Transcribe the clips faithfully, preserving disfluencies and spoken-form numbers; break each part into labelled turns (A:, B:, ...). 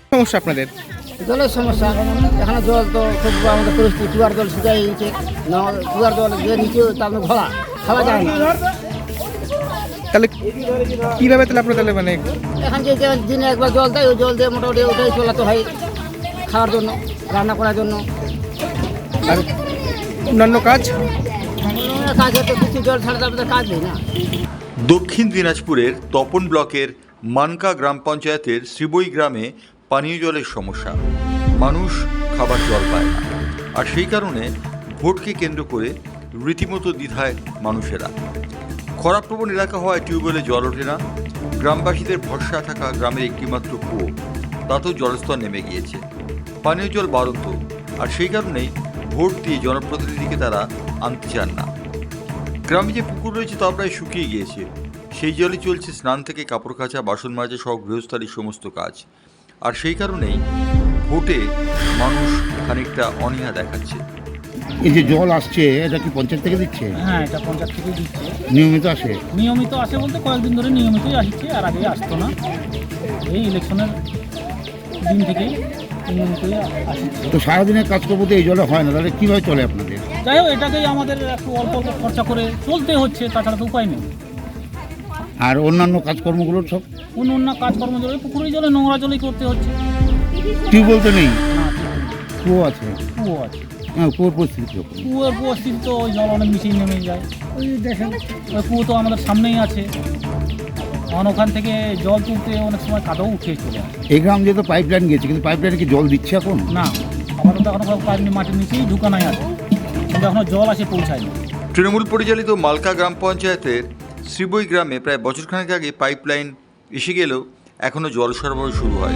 A: সমস্যা আপনাদের?
B: জলের সমস্যা। এখানে জল তো খুব আমাদের পরিস্থিতি, চুয়ার জল শুকাই গেছে না, চুয়ার জল যে নিচে তার ঘোলা খাওয়া যায় না।
A: তাহলে কীভাবে তাহলে আপনার তাহলে মানে
B: এখন যে যে দিনে একবার জল দেয় ওই জল দিয়ে মোটামুটি ওটাই চলাতে হয় খাওয়ার জন্য, রান্না করার জন্য।
A: আর অন্যান্য কাজ
B: কাজ হতো কিছু জল ছাড়া তারপরে কাজ নেই না।
C: দক্ষিণ দিনাজপুরের তপন ব্লকের মানকা গ্রাম পঞ্চায়েতের শ্রীবই গ্রামে পানীয় জলের সমস্যা। মানুষ খাবার জল পায় না, আর সেই কারণে ভোটকে কেন্দ্র করে রীতিমতো দ্বিধায় মানুষেরা। খরাপ্রবণ এলাকা হওয়ায় টিউবওয়েলে জল ওঠে না। গ্রামবাসীদের ভরসা থাকা গ্রামের একটিমাত্র কুয়ো, তাতেও জলস্তর নেমে গিয়েছে। পানীয় জল বাড়ন্ত, আর সেই কারণেই ভোট দিয়ে জনপ্রতিনিধিকে তারা আনতে চান না। গ্রামে যে পুকুর রয়েছে তা প্রায় শুকিয়ে গিয়েছে। সেই জলে চলছে স্নান থেকে কাপড় কাচা, বাসন মাজা সহ গৃহস্থালির সমস্ত কাজ। আর সেই কারণেই ভোটে মানুষ খানিকটা অনীহা দেখাচ্ছে।
D: এই যে জল আসছে এটা কি পঞ্চায়েত থেকে দিচ্ছে?
E: হ্যাঁ, এটা পঞ্চায়েত থেকেই দিচ্ছে।
D: নিয়মিত আসে?
E: নিয়মিত আসে বলতে কয়েকদিন ধরে নিয়মিতই আসছে, আর আগে আসতো না। এই ইলেকশনের দিন থেকেই নিয়মিতই আসছে।
D: তো সারাদিনের কাজকর্ম তো এই জলে হয় না, তাহলে কীভাবে চলে আপনাদের?
E: যাই হোক, এটাকেই আমাদের একটু অল্প অল্প খরচা করে চলতে হচ্ছে, তাছাড়া তো উপায় নেই।
D: আর অন্যান্য কাজকর্মগুলোর সব
E: অন্য অন্য কাজকর্ম জলে, পুকুরের জলে, নোংরা জলেই করতে হচ্ছে।
D: টিউবওয়েল তো নেই?
E: না,
D: কুয়ো আছে?
E: কুয়ো আছে।
D: হ্যাঁ, কুয়োর পরিস্থিতি কীরকম?
E: কুয়োর পরিস্থিতি তো ওই জল অনেক নিচেই নেমে যায়। ওই দেখেন, ওই কুয়ো তো আমাদের সামনেই আছে। কারণ ওখান থেকে জল তুলতে অনেক সময় কাদাও উঠে চলে আসে।
D: এই গ্রাম যেহেতু পাইপ লাইন গিয়েছে, কিন্তু পাইপ লাইনে কি জল দিচ্ছে এখন?
E: না, আমাদের তো এখনো পাইপ মাটির নিচেই ঢুকানাই আছে, কিন্তু এখনো জল আসে পৌঁছায়নি।
C: তৃণমূল পরিচালিত মালকা গ্রাম পঞ্চায়েতের শ্রীবই গ্রামে প্রায় বছরখানেক আগে পাইপ লাইন এসে গেলেও এখনও জল সরবরাহ শুরু হয়।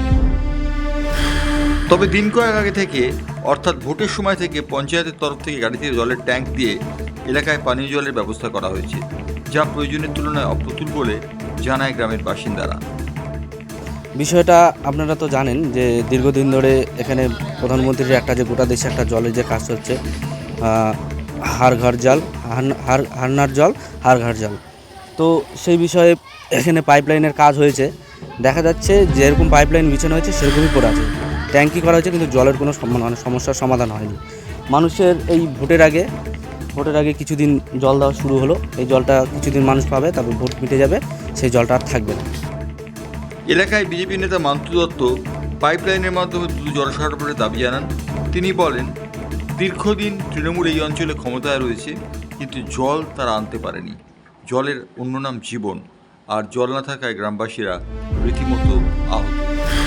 C: তবে দিন কয়েক আগে থেকে, অর্থাৎ ভোটের সময় থেকে পঞ্চায়েতের তরফ থেকে গাড়িতে জলের ট্যাঙ্ক দিয়ে এলাকায় পানীয় জলের ব্যবস্থা করা হয়েছে, যা প্রয়োজনের তুলনায় অপ্রতুল বলে জানায় গ্রামের বাসিন্দারা।
F: বিষয়টা আপনারা তো জানেন যে দীর্ঘদিন ধরে এখানে প্রধানমন্ত্রীর একটা যে গোটা দেশে একটা জলের যে কাজ হচ্ছে, হার ঘর জল, হার হারনার জল, হার ঘর জল। তো সেই বিষয়ে এখানে পাইপলাইনের কাজ হয়েছে। দেখা যাচ্ছে যেরকম পাইপলাইন বিছানো হয়েছে সেরকমই পড়ে আছে, ট্যাঙ্কি করা হয়েছে, কিন্তু জলের কোনো মানে সমস্যার সমাধান হয়নি। মানুষের এই ভোটের আগে ভোটের আগে কিছুদিন জল দেওয়া শুরু হলো। এই জলটা কিছুদিন মানুষ পাবে, তারপর ভোট মিটে যাবে, সেই জলটা আর থাকবে না।
C: এলাকায় বিজেপি নেতা মান্তু দত্ত পাইপলাইনের মাধ্যমে দ্রুত জল সরবরাহের দাবি জানান। তিনি বলেন, দীর্ঘদিন তৃণমূল এই অঞ্চলে ক্ষমতায় রয়েছে, কিন্তু জল তারা আনতে পারেনি। জলের অন্য নাম জীবন, আর জল না থাকায় গ্রামবাসীরা রীতিমতো আহত।